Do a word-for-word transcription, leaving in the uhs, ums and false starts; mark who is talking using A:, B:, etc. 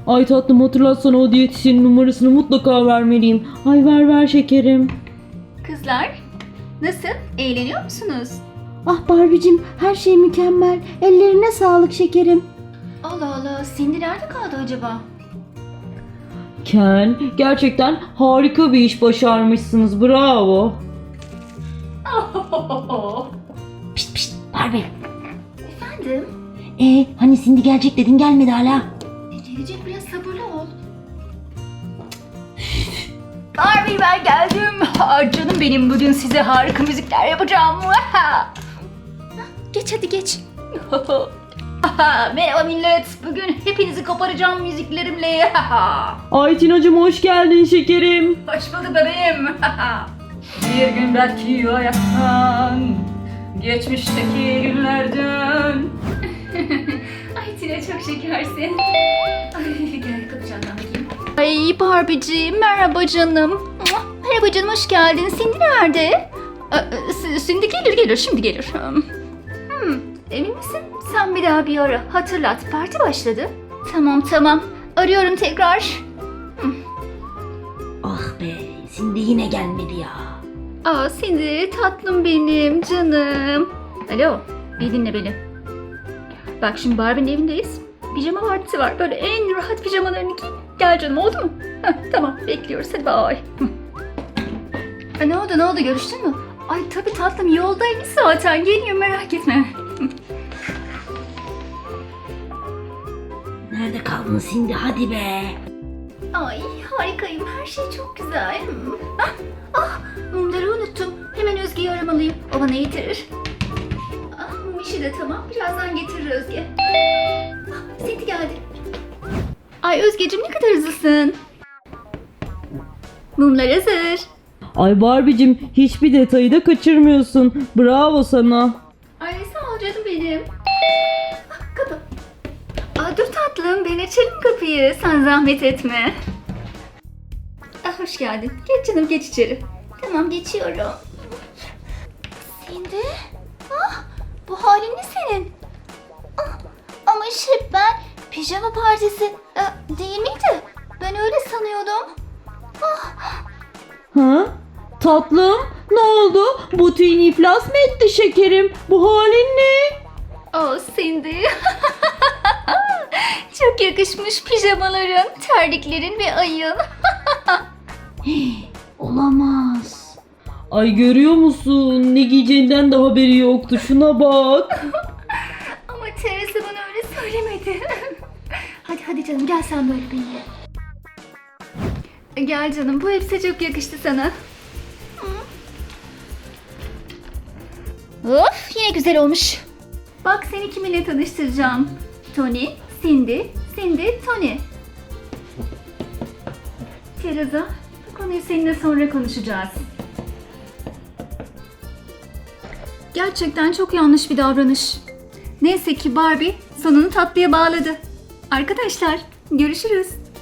A: Ay tatlım, hatırlatsana, o diyetisyenin numarasını mutlaka vermeliyim. Ay ver ver şekerim.
B: Kızlar, nasıl? Eğleniyor musunuz?
C: Ah Barbie'cim, her şey mükemmel. Ellerine sağlık şekerim.
B: Allah Allah, Cindy nerede kaldı acaba?
A: Ken, gerçekten harika bir iş başarmışsınız. Bravo.
C: Pişt pişt Barbie.
B: Efendim?
C: Ee, hani Cindy gelecek dedin, gelmedi hala.
B: E, gelecek, biraz sabırlı ol. Barbie, ben geldim. Aa, canım benim, bugün size harika müzikler yapacağım. Geç hadi geç. Merhaba millet. Bugün hepinizi koparacağım müziklerimle.
A: Ay Tina'cığım, hoş geldin şekerim.
B: Hoş bulduk bebeğim. Bir gün belki hayattan, geçmişteki günlerden. Ay Tina, çok şekersin. Ay gel, kapacağım ben bakayım. Ay Barbie'ciğim, merhaba canım. Merhaba canım, hoş geldin. Cindy nerede? Ee, Cindy gelir gelir, şimdi gelir. Hmm, emin misin? Sen bir daha bir ara. Hatırlat, parti başladı. Tamam tamam, arıyorum tekrar.
C: Ah be, Cindy yine gelmedi ya.
B: Aa Cindy, tatlım benim, canım. Alo, bir dinle beni. Bak şimdi Barbie'nin evindeyiz. Pijama partisi var. Böyle en rahat pijamalarını giy. Gel canım, oldu mu? Heh, tamam, bekliyoruz. Hadi bye. E, ne oldu ne oldu, görüştün mü? Ay tabii tatlım, yoldaymış zaten. Geliyor, merak etme.
C: Nerede kaldın Cindy, hadi be.
B: Ay harikayım, her şey çok güzel. Ah, ah mumları unuttum. Hemen Özge'yi aramalıyım. O bana getirir. Ah, mum işi de tamam. Birazdan getirir Özge. Ah, Cindy geldi. Ay Özgeciğim, ne kadar hızlısın. Mumlar hazır.
A: Ay Barbie'cim, hiçbir detayı da kaçırmıyorsun. Bravo sana.
B: Ay sağ ol canım benim. Ah, kapı. Aa, dur tatlım, ben açarım kapıyı. Sen zahmet etme. Ah, hoş geldin. Geç canım, geç içeri. Tamam, geçiyorum. Cindy? Ah, bu halin ne senin? Ah, ama şey, ben pijama partisi e, değil miydi? Ben öyle sanıyordum. Ah,
A: Ha? Tatlım, ne oldu? Butiğin iflas mı etti şekerim? Bu halin ne?
B: oh Cindy. Çok yakışmış pijamaların, terliklerin ve ayın.
C: Olamaz.
A: Ay görüyor musun? Ne giyeceğinden de haberi yoktu. Şuna bak.
B: Ama Teresa bana öyle söylemedi. Hadi hadi canım, gel sen böyle benimle. Gel canım, bu elbise çok yakıştı sana. Of, yine güzel olmuş. Bak, seni kiminle tanıştıracağım. Tony, Cindy, Cindy, Tony. Teresa, bu konuyu seninle sonra konuşacağız. Gerçekten çok yanlış bir davranış. Neyse ki Barbie sonunu tatlıya bağladı. Arkadaşlar, görüşürüz.